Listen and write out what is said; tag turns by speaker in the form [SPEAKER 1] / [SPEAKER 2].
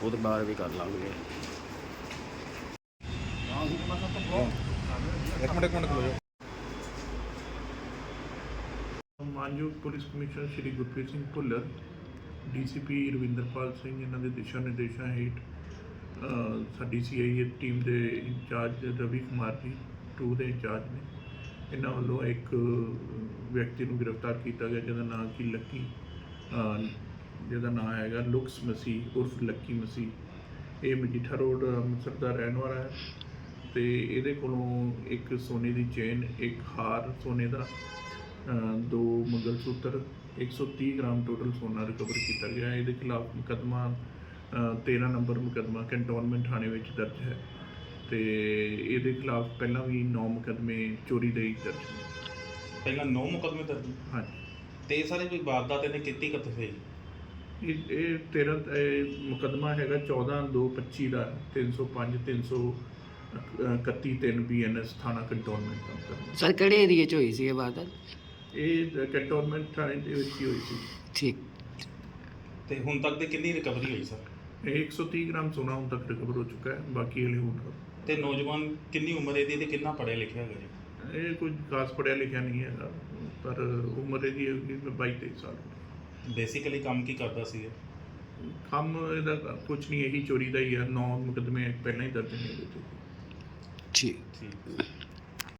[SPEAKER 1] ਉਹਦੇ ਬਾਅਦ ਵੀ ਕਰ ਲਾਂਗੇ।
[SPEAKER 2] ਇੱਕ ਮਿੰਟ ਖਲੋ ਜਾਓ।
[SPEAKER 3] ਮਾਨਯੋਗ police commissioner Shri Gurpreet Singh Bhullar, DCP Ravinderpal Singh, ਇਹਨਾਂ ਦੇ ਦਿਸ਼ਾ ਨਿਰਦੇਸ਼ਾਂ ਹੇਠ ਸਾਡੀ ਸੀਆਈਏ ਟੀਮ ਦੇ ਇੰਚਾਰਜ ਰਵੀ ਕੁਮਾਰ ਜੀ 2 ਦੇ ਇੰਚਾਰਜ ਨੇ, ਇਹਨਾਂ ਵੱਲੋਂ ਇੱਕ ਵਿਅਕਤੀ ਨੂੰ ਗ੍ਰਿਫਤਾਰ ਕੀਤਾ ਗਿਆ ਜਿਹਦਾ ਨਾਮ ਕਿ ਲੱਕੀ, ਜਿਹਦਾ ਨਾਮ ਹੈਗਾ ਲੁਕਸ ਮਸੀਹ ਉਰਫ ਲੱਕੀ ਮਸੀਹ। ਇਹ ਮਜੀਠਾ ਰੋਡ ਅੰਮ੍ਰਿਤਸਰ ਦਾ ਰਹਿਣ ਵਾਲਾ ਹੈ ਅਤੇ ਇਹਦੇ ਕੋਲੋਂ ਇੱਕ ਸੋਨੇ ਦੀ ਚੇਨ, ਇੱਕ ਹਾਰ ਸੋਨੇ ਦਾ, 2 ਮੰਗਲਸੂਤਰ, 130 ਗ੍ਰਾਮ ਟੋਟਲ ਸੋਨਾ ਰਿਕਵਰ ਕੀਤਾ ਗਿਆ। ਇਹਦੇ ਖਿਲਾਫ ਮੁਕੱਦਮਾ 13 ਨੰਬਰ ਮੁਕੱਦਮਾ ਕੰਟੋਨਮੈਂਟ ਥਾਣੇ ਵਿੱਚ ਦਰਜ ਹੈ ਅਤੇ ਇਹਦੇ ਖਿਲਾਫ ਪਹਿਲਾਂ ਵੀ 9 ਮੁਕੱਦਮੇ ਚੋਰੀ ਦੇ ਦਰਜ ਨੇ।
[SPEAKER 2] ਪਹਿਲਾਂ 9 ਮੁਕੱਦਮੇ ਦਰਜ?
[SPEAKER 3] ਹਾਂਜੀ।
[SPEAKER 2] ਤੇ ਸਾਰੇ ਕੋਈ ਵਾਰਦਾਤ ਇਹਨੇ ਕੀਤੀ ਕਿੱਥੇ ਹੋਈ?
[SPEAKER 3] ਇਹ 13 ਮੁਕੱਦਮਾ ਹੈਗਾ 14/2/25 ਦਾ, 305 331 3 BNS ਥਾਣਾ ਕੰਟੋਨਮੈਂਟ ਦਾ ਮੁਕੱਦਮਾ।
[SPEAKER 1] ਸਰ ਕਿਹੜੇ ਏਰੀਏ 'ਚ ਹੋਈ ਸੀ ਇਹ ਵਾਰਦਾਤ?
[SPEAKER 3] ਇਹ ਕੰਟੋਨਮੈਂਟ ਥਾਣੇ ਦੇ ਵਿੱਚ ਹੀ ਹੋਈ ਸੀ।
[SPEAKER 1] ਠੀਕ।
[SPEAKER 2] ਤੇ ਹੁਣ ਤੱਕ ਦੀ ਕਿੰਨੀ ਰਿਕਵਰੀ ਹੋਈ ਸਰ?
[SPEAKER 3] ਇਹ 130 ਗ੍ਰਾਮ ਸੋਨਾ ਹੁਣ ਤੱਕ ਰਿਕਵਰ ਹੋ ਚੁੱਕਾ ਹੈ, ਬਾਕੀ ਹਲੇ ਹੋਰ।
[SPEAKER 2] ਤੇ ਨੌਜਵਾਨ ਕਿੰਨੀ ਉਮਰ ਇਹਦੀ ਤੇ ਕਿੰਨਾ ਪੜ੍ਹਿਆ ਲਿਖਿਆ ਹੈਗਾ ਜੀ?
[SPEAKER 3] ਇਹ ਕੁਝ ਖਾਸ ਪੜ੍ਹਿਆ ਲਿਖਿਆ ਨਹੀਂ ਹੈਗਾ, ਪਰ ਉਮਰ ਇਹਦੀ ਹੈਗੀ 22-23 ਸਾਲ।
[SPEAKER 2] ਬੇਸਿਕਲੀ ਕੰਮ ਕੀ ਕਰਦਾ ਸੀ ਇਹ?
[SPEAKER 3] ਕੰਮ ਇਹਦਾ ਕੁਝ ਨਹੀਂ, ਇਹੀ ਚੋਰੀ ਦਾ ਹੀ ਹੈ। 9 ਮੁਕੱਦਮੇ ਪਹਿਲਾਂ ਹੀ ਦਰਜ ਨੇ ਇਹਦੇ 'ਤੇ।
[SPEAKER 1] ਠੀਕ।
[SPEAKER 2] ਠੀਕ।